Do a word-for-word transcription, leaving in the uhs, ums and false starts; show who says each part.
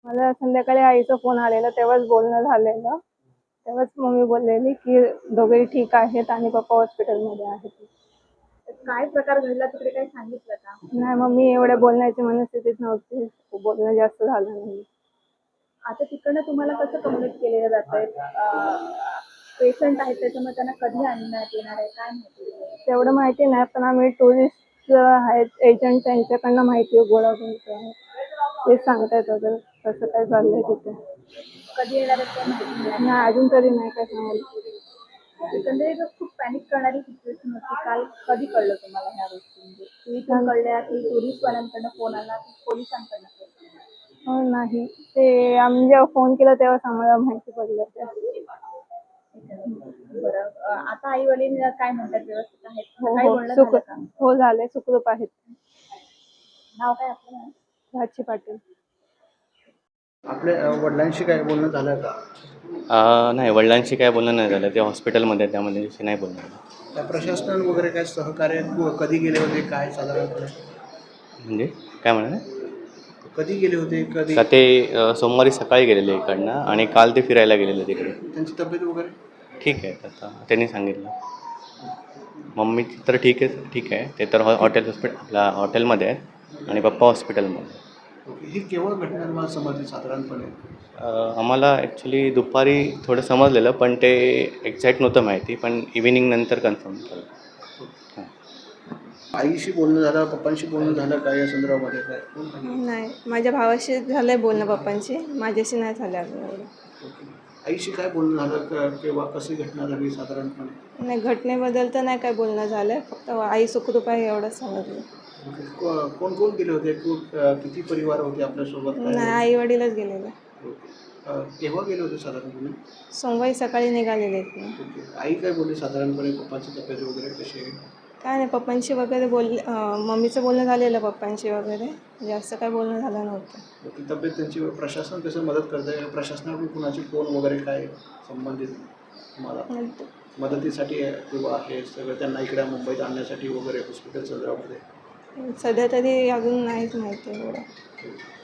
Speaker 1: मला संध्याकाळी आईचा फोन आलेला तेव्हाच बोलणं झालेलं. तेव्हाच मम्मी बोललेली की दोघेही ठीक आहेत आणि पप्पा हॉस्पिटलमध्ये आहेत.
Speaker 2: काय प्रकार घडला तिकडे काही सांगितलं का?
Speaker 1: नाही, मम्मी एवढ्या बोलण्याची मनस्थितीत नव्हती. बोलणं जास्त झालं नाही.
Speaker 2: आता तिकडनं तुम्हाला कसं कम्युनिकेट केलेलं जातंय? पेशंट आहेत त्याच्यामुळे त्यांना कधी आणण्यात येणार आहे काय माहिती?
Speaker 1: तेवढं माहिती नाही, पण आम्ही टुरिस्ट आहेत एजंट त्यांच्याकडनं माहिती गोळा करतो आहे. ते सांगतायत वगैरे कसं काय चाललंय तिथे.
Speaker 2: कधी येणार आहेत काय माहिती नाही.
Speaker 1: नाही, अजून तरी नाही काय सांगायला.
Speaker 2: एकंदरीत खूप पॅनिक करणारी सिच्युएशन होती. काल कधी कळलं तुम्हाला ह्या गोष्टी? म्हणजे इथून कळल्या की टुरिस्टवाल्यांकडनं फोन आला की पोलिसांकडनं फोन आला?
Speaker 1: हो नाही, ते आम्ही जेव्हा फोन केला तेव्हाच आम्हाला माहिती पडलं ते.
Speaker 2: बरं, आता आई वडील काय म्हणतात, व्यवस्थित आहेत?
Speaker 1: हो
Speaker 2: काही
Speaker 1: हो
Speaker 2: बोलणं
Speaker 1: सुख
Speaker 2: झालं का?
Speaker 1: हो झाले, सुखरूप आहेत.
Speaker 2: नाव काय आपलं?
Speaker 1: राजची पाटील.
Speaker 3: आपल्या वडिलांशी काय बोलणं झालं का?
Speaker 4: अ, नाही, वडिलांशी काय बोलणं नाही झालं. ते हॉस्पिटलमध्ये त्यामध्ये नाही बोलणं झालं.
Speaker 3: त्या प्रशासनानं वगैरे काय सहकार्य क- कधी गेले होते काय साधारणपणे?
Speaker 4: म्हणजे काय म्हणाले?
Speaker 3: कधी गेले होते कधी?
Speaker 4: का ते अ, सोमवारी सकाळी गेलेले इकडनं आणि काल ते फिरायला गेलेले तिकडे.
Speaker 3: त्यांची तब्येत वगैरे?
Speaker 4: ठीक आहे, आता त्यांनी सांगितलं. मम्मी तर ठीक आहे ठीक आहे ते तर हॉ हॉटेल हॉस्पिटल आपल्या हॉटेलमध्ये आहेत आणि पप्पा हॉस्पिटलमध्ये.
Speaker 3: ओके. ही केवळ घटना तुम्हाला समजली साधारणपणे?
Speaker 4: अ, आम्हाला ॲक्च्युली दुपारी थोडं समजलेलं, पण ते एक्झॅक्ट नव्हतं माहिती, पण इव्हिनिंग नंतर कन्फर्म झालं. हां.
Speaker 3: आईशी बोलणं झालं, पप्पांशी बोलणं झालं काय या संदर्भामध्ये काय?
Speaker 1: नाही, माझ्या भावाशी झालंय बोलणं पप्पांशी, माझ्याशी नाही झालं अजून एवढं.
Speaker 3: ओके. आईशी काय बोलणं झालं क- किंवा कशी घटना झाली साधारणपणे?
Speaker 1: नाही, घटनेबद्दल तर नाही काय बोलणं झालं. फक्त आई सुखरूप आहे एवढंच समजलं.
Speaker 3: ओके. को- कोण कोण गेले होते? कु- अ, किती परिवार होते आपल्यासोबत
Speaker 1: नाही,
Speaker 3: काय?
Speaker 1: आई वडीलच गेलेले.
Speaker 3: ओके. अ, केव्हा गेले होते साधारणपणे?
Speaker 1: सोमवारी सकाळी निघालेले इथनं.
Speaker 3: ओके. आई काय बोलली साधारणपणे, पप्पाची तब्येत वगैरे कशी आहे?
Speaker 1: काय नाही, पप्पांशी वगैरे बोलले. मम्मीचं बोलणं झालेलं पप्पांशी वगैरे, जास्त काय बोलणं झालं नव्हतं.
Speaker 3: ती तब्येत त्यांची प्रशासन कसं मदत करत आहे? प्रशासनाकडून कुणाची फोन वगैरे काय संबंधित तुम्हाला मदतीसाठी किंवा हे सगळं त्यांना इकडे मुंबईत आणण्यासाठी वगैरे हॉस्पिटल संदर्भामध्ये?
Speaker 1: सध्या तरी अजून नाहीच माहिती एवढं.